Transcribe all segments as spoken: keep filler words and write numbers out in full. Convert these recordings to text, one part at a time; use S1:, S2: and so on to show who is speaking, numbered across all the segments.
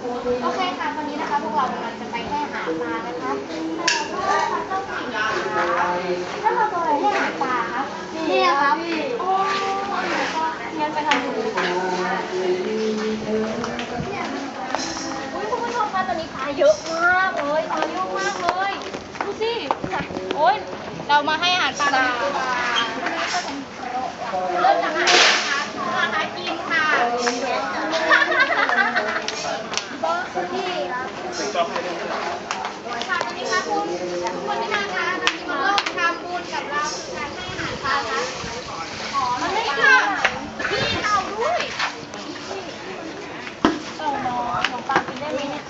S1: โอเคค่ะตอนนี้นะคะพวกเรากำลังจะไปให้อาหารปลานะคะแต่ว่าเจ้าสิ่งนะคะถ้าเราตัวอะไรให้อาหารปลาคะนี่ครับโอ้แล้วก็งั้นไปทำดูอุ้ยคุณผู้ชมคะตอนนี้ปลาเยอะมากเลยปลาเยอะมากเลยดูสิโอ้ยเรามาให้อาหารปลากันดีกว่าเริ่มจากอาหารนะคะอาหารกินค่ะบอสพี่ครับค่ะตอนนี้ค่ะคุณคนที่มาค่ะที่มาร่วมทำบุญกับเราคือการให้อาหารปลาค่ะขอมาให้ค่ะพี่เราด้วยเต่าน้องของปลากินได้ไหมเนี่ย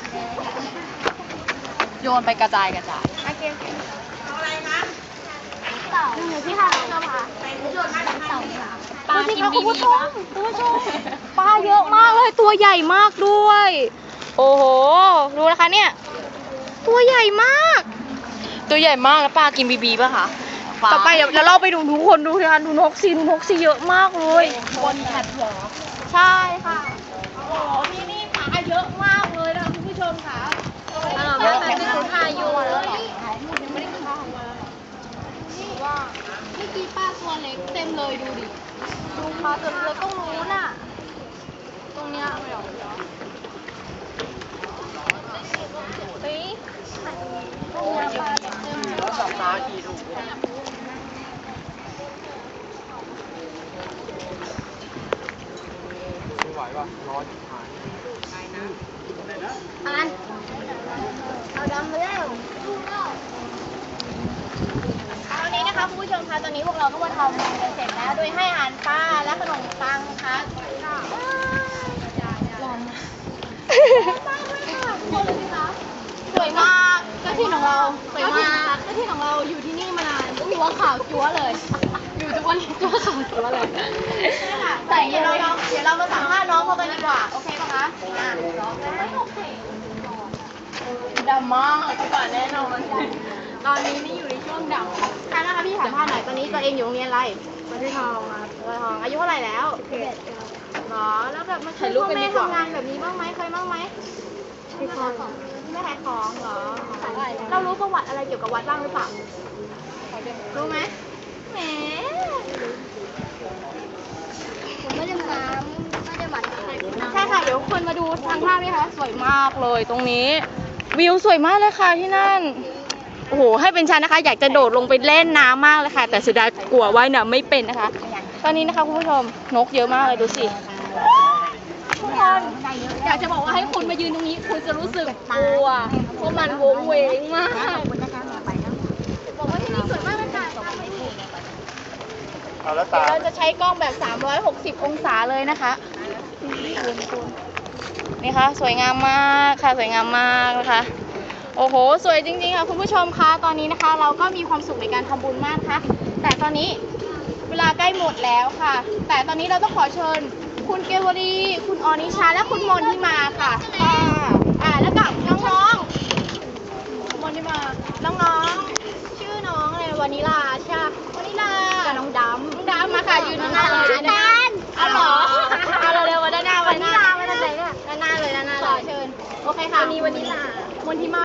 S2: โยนไปกระจายกระจาย
S1: โอเคโอเคเอาอะไรคะเต่าหนูที่ค่ะชอบค่ะโยนมาจากเต่าปลากินบีบีปะคุณผู้ชมปลาเยอะมากเลยตัวใหญ่มากด้วยโอ้โหดูนะคะเนี่ยตัวใหญ่มาก
S2: ตัวใหญ่มากแล้วปลากินบีบีป่ะคะ
S1: ต่อไปเดี๋ยวเราไปดูทุกคนดูนะคะดูนกซีดูนกซีเยอะมากเลยคนขัดหัวใช่ค่ะโอ้โหที่นี่ปลาเยอะมากเลยนะคะคุณผู้ชมค่ะไม่ได้กินข้าวอยู่เลยยังไม่ได้กินข้าวมานี่ว่าเมื่อกี้ปลาตัวเล็กเต็มเลยดูดิดูปลาตัวเล็กต้องรู้น่ะตรงเนี้ยไม่หรอกเฮ้ยตรงเนี้ยปลาเต็มเลย
S2: สองน้ากี่ถุงไม่ไหวป่ะร้อนหาย
S1: อันเอาดำมาแล้วตอนนี้นะคะคุณผู้ชมคะตอนนี้พวกเราก็มาทำกันเสร็จแล้วโดยให้อาหารปลาและขนมปังนะคะร้อนมากเลยค่ะคนเลยคะสวยมากเจ้าที่ของเราสวยมากเจ้าที่ของเราอยู่ที่นี่มานานตัวขาวจั๊วเลย อยู่ทุกวันนี้ตัวขาวจั๊วเลยใช่ค่ะแต่เดี๋ยวเราเดี๋ยวเรามาสัมภาษณ์น้องเขากันดีกว่าโอเคปะคะอ่าไม่โอเค
S2: ดำมากก่อนแน่นอนตอนนี้นี่อยู่ในช่วงดำ
S1: ค่ะนะคะพี่ถามพ่อหน่อยตอนนี้ตัวเองอยู่โรงเรียนอะไรวัดทองครับวัดทองอายุเท่าไหร่แล้วสิบเอ็ดหรอแล้วแบบมาช่วยพ่อแม่ทำงานแบบนี้บ้างไหมเคยบ้างไหมไม่เคยไม่ขายของเหรอเรารู้ประวัติอะไรเกี่ยวกับวัดบ้างหรือเปล่ารู้ไหมแหมผมไม่ได้มาไม่ได้มาใช่ค่ะเดี๋ยวคนมาดูทางภาพนี่ค่ะสวยมากเลยตรงนี้วิวสวยมากเลยค่ะที่นั่นโอ้โหให้เป็นฉันนะคะอยากจะโดดลงไปเล่นน้ำมากเลยค่ะแต่เสียดายกลัวว่ายน้ำไม่เป็นนะคะตอนนี้นะคะคุณผู้ชมนกเยอะมากเลยดูสิทุกคนอยากจะบอกว่าให้คุณมายืนตรงนี้คุณจะรู้สึกกลัวเพราะมันวงเวงมากบอกว่าที่นี่สวยมากเลยค่ะเดี๋ยวเราจะใช้กล้องแบบสามร้อยหกสิบองศาเลยนะคะนี่ค่ะสวยงามมากค่ะสวยงามมากนะคะโอ้โหสวยจริงๆค่ะคุณผู้ชมคะตอนนี้นะคะเราก็มีความสุขในการทำบุญมากค่ะแต่ตอนนี้เวลาใกล้หมดแล้วค่ะแต่ตอนนี้เราต้องขอเชิญคุณเกวรีคุณออนิชาและคุณมนที่มาค่ะค่ะอ่าแล้วกับน้องๆมนที่มาน้องๆ